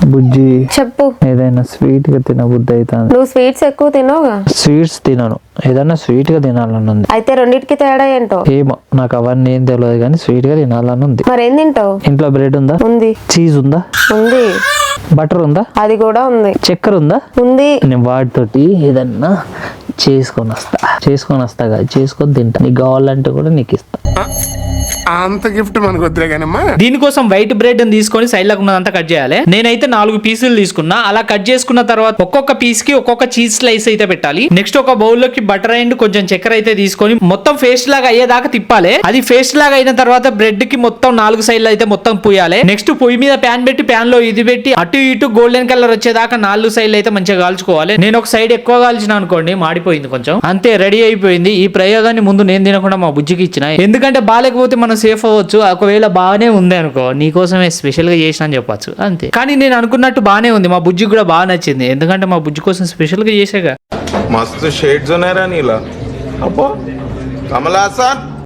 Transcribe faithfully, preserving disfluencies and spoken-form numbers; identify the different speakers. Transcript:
Speaker 1: బుజ్జి
Speaker 2: చెప్పు.
Speaker 1: ఏదైనా స్వీట్ గా తిన బుద్ధి అవుతుంది.
Speaker 2: నువ్వు స్వీట్స్ ఎక్కువ తినవుగా.
Speaker 1: స్వీట్స్ తినను, ఏదైనా స్వీట్ గా తినాలని ఉంది.
Speaker 2: అయితే రెండింటికి తేడా ఏంటో
Speaker 1: ఏమో నాకు అవన్నీ ఏం తెలియదు కానీ స్వీట్ గా తినాలని ఉంది.
Speaker 2: మరి ఏం తింటావు?
Speaker 1: ఇంట్లో బ్రెడ్ ఉందా?
Speaker 2: ఉంది.
Speaker 1: చీజ్ ఉందా?
Speaker 2: ఉంది.
Speaker 1: బటర్ ఉందా?
Speaker 2: అది కూడా ఉంది.
Speaker 1: చక్కెర ఉందా?
Speaker 2: ఉంది.
Speaker 1: నేను వాటితోటి ఏదన్నా చేసుకొని వస్తా చేసుకొని వస్తాగా చేసుకొని తింటా. నీకు కావాలంటే కూడా నీకు ఇస్తా.
Speaker 3: అంత గిఫ్ట్ మనకు వద్దులే కానమ్మా.
Speaker 4: దీనికోసం వైట్ బ్రెడ్ తీసుకొని సైడ్ లకు ఉన్నదంతా కట్ చేయాలి. నేనైతే నాలుగు పీసులు తీసుకున్నా. అలా కట్ చేసుకున్న తర్వాత ఒక్కొక్క పీస్ కి ఒక్కొక్క చీజ్ స్లైస్ అయితే పెట్టాలి. నెక్స్ట్ ఒక బౌల్ లోకి బటర్ అండ్ కొంచెం చక్కెర అయితే తీసుకొని మొత్తం ఫేస్ట్ లాగా అయ్యేదాకా తిప్పాలి. అది ఫేస్ట్ లాగా అయిన తర్వాత బ్రెడ్ కి మొత్తం నాలుగు సైడ్లు అయితే మొత్తం పూయాలి. నెక్స్ట్ పొయ్యి మీద ప్యాన్ పెట్టి ప్యాన్ లో ఇది పెట్టి అటు ఇటు గోల్డెన్ కలర్ వచ్చేదాకా నాలుగు సైడ్లు అయితే మంచిగా కాల్చుకోవాలి. నేను ఒక సైడ్ ఎక్కువ కాల్చిన అనుకోండి మాడిపోయింది కొంచెం. అంతే రెడీ అయిపోయింది. ఈ ప్రయోగాన్ని ముందు నేను తినకుండా మా బుజ్జికి ఇచ్చిన. ఎందుకంటే బాగాలేకపోతే మనం సేఫ్ అవ్వచ్చు. ఒకవేళ బాగానే ఉంది అనుకో నీకోసమే స్పెషల్ గా చేసిన అని చెప్పొచ్చు అంతే. కానీ నేను అనుకున్నట్టు బాగానే ఉంది. మా బుజ్జికి కూడా బాగా నచ్చింది. ఎందుకంటే మా బుజ్జి కోసం స్పెషల్ గా చేసాగా.
Speaker 5: मस्त शेड्स ఉన్నాయరా నీలా. అబ్బో కమలాసన్